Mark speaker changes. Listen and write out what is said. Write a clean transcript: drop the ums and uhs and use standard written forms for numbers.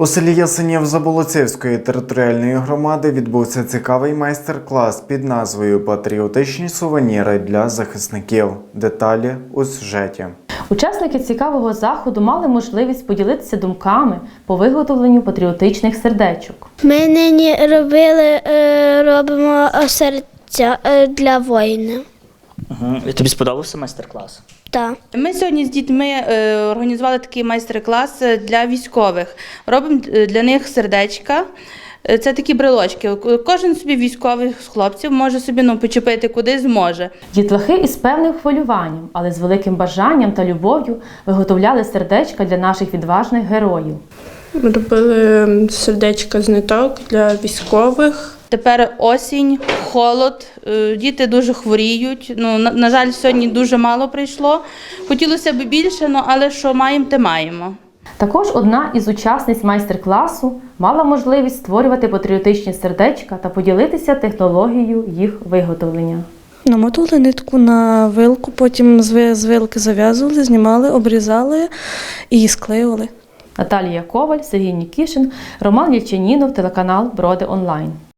Speaker 1: У селі Ясенів Заболоцівської територіальної громади відбувся цікавий майстер-клас під назвою «Патріотичні сувеніри для захисників». Деталі у сюжеті.
Speaker 2: Учасники цікавого заходу мали можливість поділитися думками по виготовленню патріотичних сердечок.
Speaker 3: Ми нині робимо серця для воїна.
Speaker 4: Тобі сподобався майстер-клас?
Speaker 3: Так.
Speaker 5: Ми сьогодні з дітьми організували такий майстер-клас для військових. Робимо для них сердечка. Це такі брелочки. Кожен собі військовий з хлопців може собі почепити куди зможе.
Speaker 2: Дітлахи із певним хвилюванням, але з великим бажанням та любов'ю виготовляли сердечка для наших відважних героїв.
Speaker 6: Ми робили сердечка з ниток для військових.
Speaker 5: Тепер осінь, холод, діти дуже хворіють. На жаль, сьогодні дуже мало прийшло. Хотілося б більше, але що маємо, те маємо.
Speaker 2: Також одна із учасниць майстер-класу мала можливість створювати патріотичні сердечка та поділитися технологією їх виготовлення.
Speaker 7: Намотували нитку на вилку, потім з вилки зав'язували, знімали, обрізали і склеювали.
Speaker 2: Наталія Коваль, Сергій Нікішин, Роман Єльчанінов, телеканал Броди Онлайн.